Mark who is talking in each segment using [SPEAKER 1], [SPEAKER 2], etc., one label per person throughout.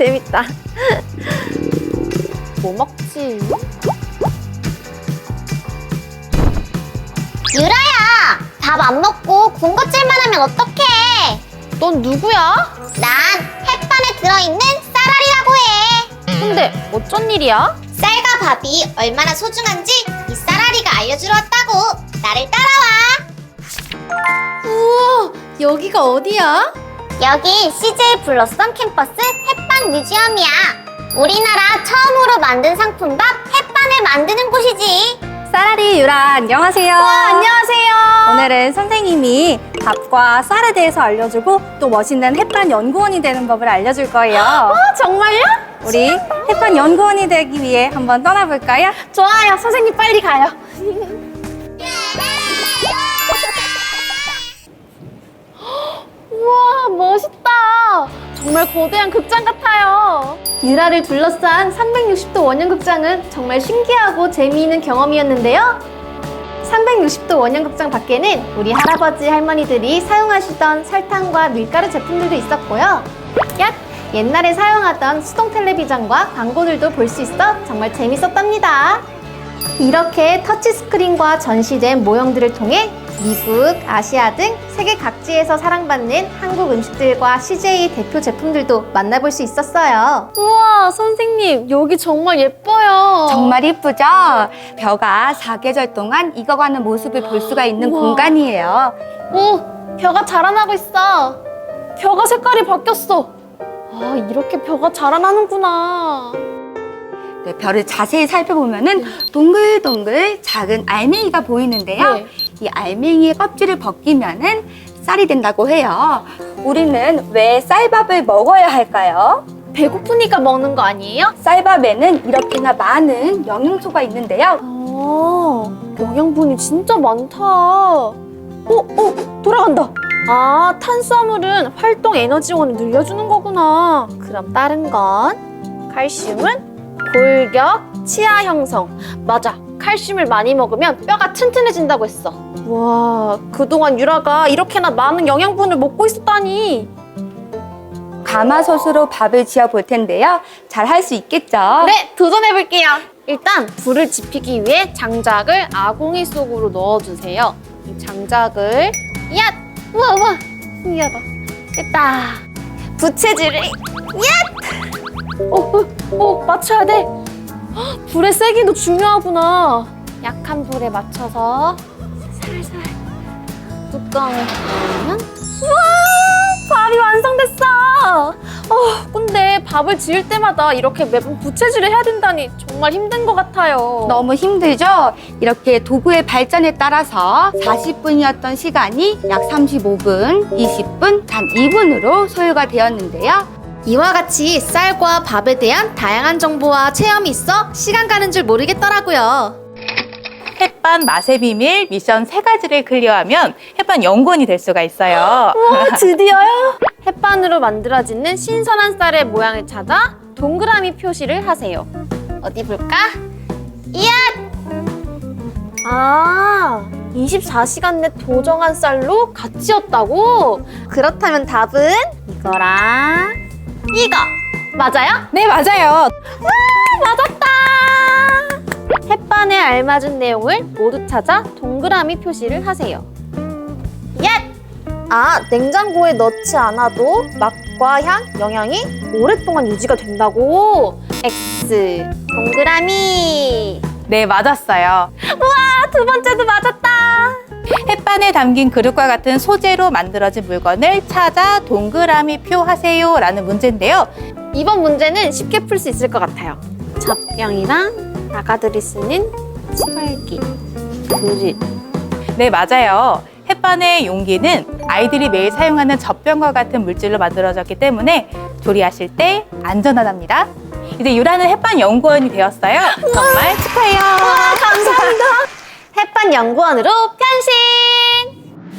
[SPEAKER 1] 재밌다. 뭐 먹지?
[SPEAKER 2] 유라야, 밥 안 먹고 군것질만 하면 어떡해?
[SPEAKER 1] 넌 누구야?
[SPEAKER 2] 난 햇반에 들어있는 쌀알이라고 해.
[SPEAKER 1] 근데 어쩐 일이야?
[SPEAKER 2] 쌀과 밥이 얼마나 소중한지 이 쌀알이가 알려주러 왔다고. 나를 따라와.
[SPEAKER 1] 우와, 여기가 어디야?
[SPEAKER 2] 여기 CJ 블러썸 캠퍼스 햇반 뮤지엄이야. 우리나라 처음으로 만든 상품밥 햇반을 만드는 곳이지.
[SPEAKER 3] 쌀알이 유라 안녕하세요.
[SPEAKER 1] 안녕하세요.
[SPEAKER 3] 오늘은 선생님이 밥과 쌀에 대해서 알려주고 또 멋있는 햇반 연구원이 되는 법을 알려줄 거예요.
[SPEAKER 1] 정말요?
[SPEAKER 3] 우리 햇반 연구원이 되기 위해 한번 떠나볼까요?
[SPEAKER 1] 좋아요. 선생님 빨리 가요. 우와, 멋있다. 정말 거대한 극장 같아요. 유라를 둘러싼 360도 원형극장은 정말 신기하고 재미있는 경험이었는데요. 360도 원형극장 밖에는 우리 할아버지 할머니들이 사용하시던 설탕과 밀가루 제품들도 있었고요. 옛날에 사용하던 수동 텔레비전과 광고들도 볼 수 있어 정말 재밌었답니다. 이렇게 터치스크린과 전시된 모형들을 통해 미국, 아시아 등 세계 각지에서 사랑받는 한국 음식들과 CJ 대표 제품들도 만나볼 수 있었어요. 우와, 선생님, 여기 정말 예뻐요.
[SPEAKER 3] 정말 이쁘죠? 벼가 사계절 동안 익어가는 모습을 볼 수가 있는
[SPEAKER 1] 우와.
[SPEAKER 3] 공간이에요.
[SPEAKER 1] 오, 벼가 자라나고 있어. 벼가 색깔이 바뀌었어. 아, 이렇게 벼가 자라나는구나.
[SPEAKER 3] 네, 벼를 자세히 살펴보면은 동글동글 작은 알맹이가 보이는데요.
[SPEAKER 1] 네.
[SPEAKER 3] 이 알맹이의 껍질을 벗기면은 쌀이 된다고 해요. 우리는 왜 쌀밥을 먹어야 할까요?
[SPEAKER 1] 배고프니까 먹는 거 아니에요?
[SPEAKER 3] 쌀밥에는 이렇게나 많은 영양소가 있는데요.
[SPEAKER 1] 영양분이 진짜 많다. 돌아간다. 아, 탄수화물은 활동 에너지원을 늘려주는 거구나. 그럼 다른 건? 칼슘은 골격, 치아 형성. 맞아. 칼슘을 많이 먹으면 뼈가 튼튼해진다고 했어. 와, 그동안 유라가 이렇게나 많은 영양분을 먹고 있었다니.
[SPEAKER 3] 가마솥으로 밥을 지어 볼 텐데요. 잘 할 수 있겠죠?
[SPEAKER 1] 네, 도전해볼게요. 일단 불을 지피기 위해 장작을 아궁이 속으로 넣어주세요. 이 장작을 우와, 신기하다. 됐다. 부채질을 맞춰야 돼. 헉, 불의 세기도 중요하구나. 약한 불에 맞춰서 살살 뚜껑을 닫으면 우와, 밥이 완성됐어. 근데 밥을 지을 때마다 이렇게 매번 부채질을 해야 된다니 정말 힘든 것 같아요.
[SPEAKER 3] 너무 힘들죠? 이렇게 도구의 발전에 따라서 40분이었던 시간이 약 35분, 20분, 단 2분으로 소요가 되었는데요.
[SPEAKER 1] 이와 같이 쌀과 밥에 대한 다양한 정보와 체험이 있어 시간 가는 줄 모르겠더라고요.
[SPEAKER 4] 햇반 맛의 비밀 미션 3가지를 클리어하면 햇반 연구원이 될 수가 있어요.
[SPEAKER 1] 우와, 드디어요? 햇반으로 만들어지는 신선한 쌀의 모양을 찾아 동그라미 표시를 하세요. 어디 볼까? 이야! 24시간 내 도정한 쌀로 갓 지었다고? 그렇다면 답은 이거랑 이거! 맞아요?
[SPEAKER 3] 네, 맞아요.
[SPEAKER 1] 맞았다! 햇반에 알맞은 내용을 모두 찾아 동그라미 표시를 하세요. 냉장고에 넣지 않아도 맛과 향, 영양이 오랫동안 유지가 된다고. X, 동그라미.
[SPEAKER 4] 네, 맞았어요.
[SPEAKER 1] 우와, 두 번째도 맞았다.
[SPEAKER 4] 햇반에 담긴 그릇과 같은 소재로 만들어진 물건을 찾아 동그라미 표 하세요 라는 문제인데요.
[SPEAKER 1] 이번 문제는 쉽게 풀 수 있을 것 같아요. 젖병이랑 아가들이 쓰는 치발기, 그릇.
[SPEAKER 4] 네, 맞아요. 햇반의 용기는 아이들이 매일 사용하는 젖병과 같은 물질로 만들어졌기 때문에 조리하실 때 안전하답니다. 이제 유라는 햇반 연구원이 되었어요. 정말 축하해요.
[SPEAKER 1] 감사합니다. 햇반 연구원으로 변신!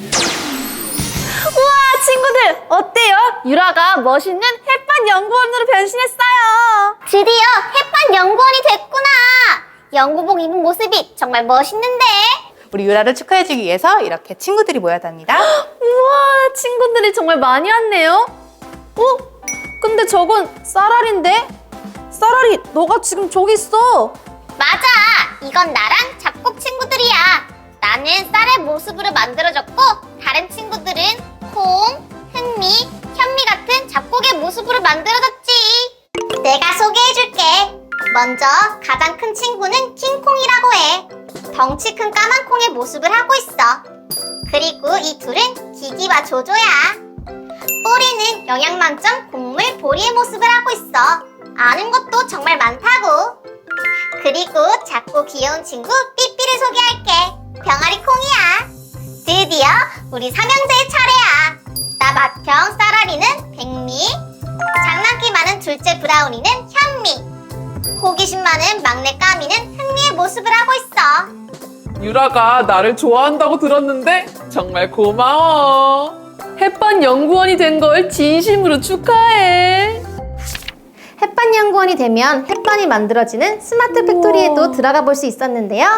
[SPEAKER 1] 우와, 친구들 어때요? 유라가 멋있는 햇반 연구원으로 변신했어요.
[SPEAKER 2] 드디어 햇반 연구원이 됐구나. 연구복 입은 모습이 정말 멋있는데.
[SPEAKER 4] 우리 유라를 축하해주기 위해서 이렇게 친구들이 모였답니다.
[SPEAKER 1] 우와, 친구들이 정말 많이 왔네요. 근데 저건 쌀알인데? 쌀알이 너가 지금 저기 있어.
[SPEAKER 2] 맞아! 이건 나랑 잡곡 친구들이야. 나는 쌀의 모습으로 만들어졌고 다른 친구들은 콩, 흑미, 현미 같은 잡곡의 모습으로 만들어졌지. 내가 소개해줄게. 먼저 가장 큰 친구는 킹콩이라고 해. 덩치 큰 까만 콩의 모습을 하고 있어. 그리고 이 둘은 기기와 조조야. 뽀리는 영양 만점 곡물 보리의 모습을 하고 있어. 아는 것도 정말 많다고. 그리고 작고 귀여운 친구 삐삐를 소개할게. 병아리 콩이야. 드디어 우리 삼형제의 차례야. 나 맏형 쌀알이는 백미, 장난기 많은 둘째 브라우니는 현미, 호기심 많은 막내 까미는 흥미의 모습을 하고 있어.
[SPEAKER 5] 유라가 나를 좋아한다고 들었는데 정말 고마워.
[SPEAKER 1] 햇반 연구원이 된 걸 진심으로 축하해. 햇반 연구원이 되면 햇반이 만들어지는 스마트 팩토리에도 들어가 볼 수 있었는데요.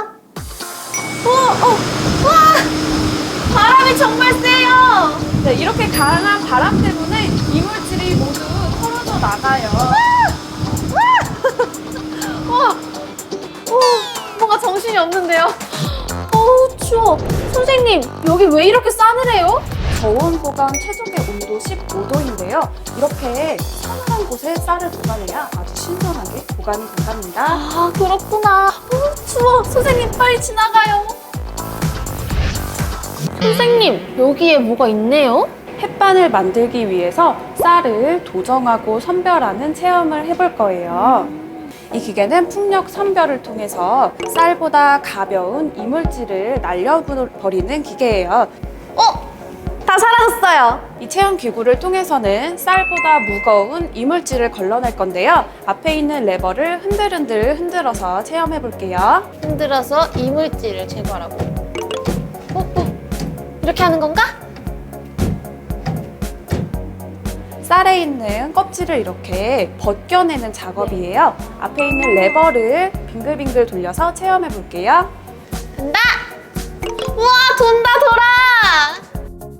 [SPEAKER 1] 와! 바람이 정말 세요.
[SPEAKER 6] 네, 이렇게 강한 바람 때문에 이물질이 모두 털어져 나가요.
[SPEAKER 1] 뭔가 정신이 없는데요. 추워. 선생님, 여기 왜 이렇게 싸늘해요?
[SPEAKER 6] 저온 보관 최적의 온도 15도인데요. 이렇게 서늘한 곳에 쌀을 보관해야 아주 신선하게 보관이 된답니다.
[SPEAKER 1] 아, 그렇구나. 추워. 선생님, 빨리 지나가요. 선생님, 여기에 뭐가 있네요?
[SPEAKER 6] 햇반을 만들기 위해서 쌀을 도정하고 선별하는 체험을 해볼 거예요. 이 기계는 풍력 선별을 통해서 쌀보다 가벼운 이물질을 날려버리는 기계예요.
[SPEAKER 1] 다 사라졌어요.
[SPEAKER 6] 이 체험 기구를 통해서는 쌀보다 무거운 이물질을 걸러낼 건데요. 앞에 있는 레버를 흔들흔들 흔들어서 체험해 볼게요.
[SPEAKER 1] 흔들어서 이물질을 제거하라고. 이렇게 하는 건가?
[SPEAKER 6] 쌀에 있는 껍질을 이렇게 벗겨내는 작업이에요. 앞에 있는 레버를 빙글빙글 돌려서 체험해 볼게요.
[SPEAKER 1] 된다! 우와, 돈다, 돌아!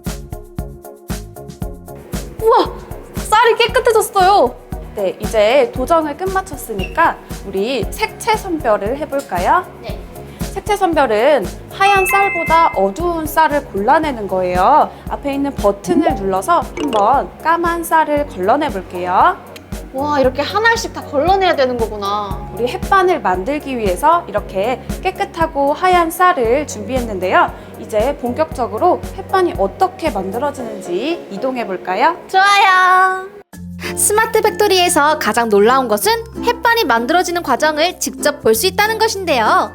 [SPEAKER 1] 우와, 쌀이 깨끗해졌어요.
[SPEAKER 6] 네, 이제 도정을 끝마쳤으니까 우리 색채 선별을 해볼까요?
[SPEAKER 1] 네.
[SPEAKER 6] 색채 선별은 하얀 쌀보다 어두운 쌀을 골라내는 거예요. 앞에 있는 버튼을 눌러서 한번 까만 쌀을 걸러내 볼게요.
[SPEAKER 1] 와, 이렇게 하나씩 다 걸러내야 되는 거구나.
[SPEAKER 6] 우리 햇반을 만들기 위해서 이렇게 깨끗하고 하얀 쌀을 준비했는데요. 이제 본격적으로 햇반이 어떻게 만들어지는지 이동해 볼까요?
[SPEAKER 1] 좋아요. 스마트 팩토리에서 가장 놀라운 것은 햇반이 만들어지는 과정을 직접 볼 수 있다는 것인데요.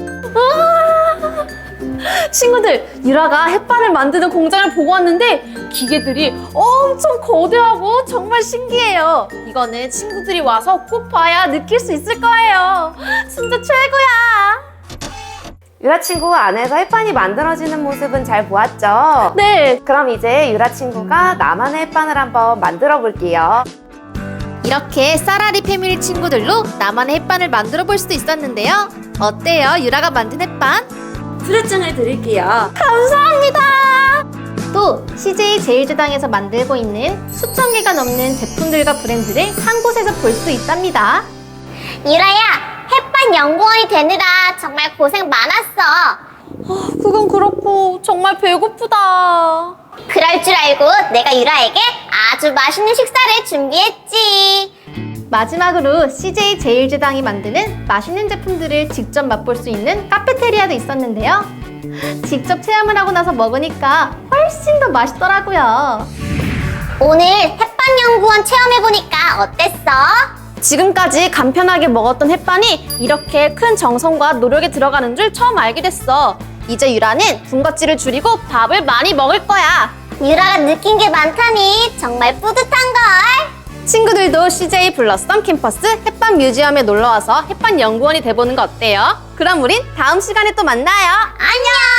[SPEAKER 1] 친구들, 유라가 햇반을 만드는 공장을 보고 왔는데 기계들이 엄청 거대하고 정말 신기해요. 이거는 친구들이 와서 꼭 봐야 느낄 수 있을 거예요. 진짜 최고야.
[SPEAKER 7] 유라 친구 안에서 햇반이 만들어지는 모습은 잘 보았죠?
[SPEAKER 1] 네,
[SPEAKER 7] 그럼 이제 유라 친구가 나만의 햇반을 한번 만들어 볼게요.
[SPEAKER 1] 이렇게 쌀아리 패밀리 친구들로 나만의 햇반을 만들어 볼 수도 있었는데요. 어때요? 유라가 만든 햇반?
[SPEAKER 7] 수료증을 드릴게요.
[SPEAKER 1] 감사합니다. 또 CJ 제일제당에서 만들고 있는 수천 개가 넘는 제품들과 브랜드를 한 곳에서 볼 수 있답니다.
[SPEAKER 2] 유라야, 햇반 연구원이 되느라 정말 고생 많았어.
[SPEAKER 1] 그건 그렇고 정말 배고프다.
[SPEAKER 2] 그럴 줄 알고 내가 유라에게 아주 맛있는 식사를 준비했지.
[SPEAKER 1] 마지막으로 CJ 제일제당이 만드는 맛있는 제품들을 직접 맛볼 수 있는 카페테리아도 있었는데요. 직접 체험을 하고 나서 먹으니까 훨씬 더 맛있더라고요.
[SPEAKER 2] 오늘 햇반 연구원 체험해보니까 어땠어?
[SPEAKER 1] 지금까지 간편하게 먹었던 햇반이 이렇게 큰 정성과 노력이 들어가는 줄 처음 알게 됐어. 이제 유라는 군것질을 줄이고 밥을 많이 먹을 거야.
[SPEAKER 2] 유라가 느낀 게 많다니 정말 뿌듯한걸.
[SPEAKER 1] 친구들도 CJ 블러썸 캠퍼스 햇반 뮤지엄에 놀러와서 햇반 연구원이 돼보는 거 어때요? 그럼 우린 다음 시간에 또 만나요.
[SPEAKER 2] 안녕.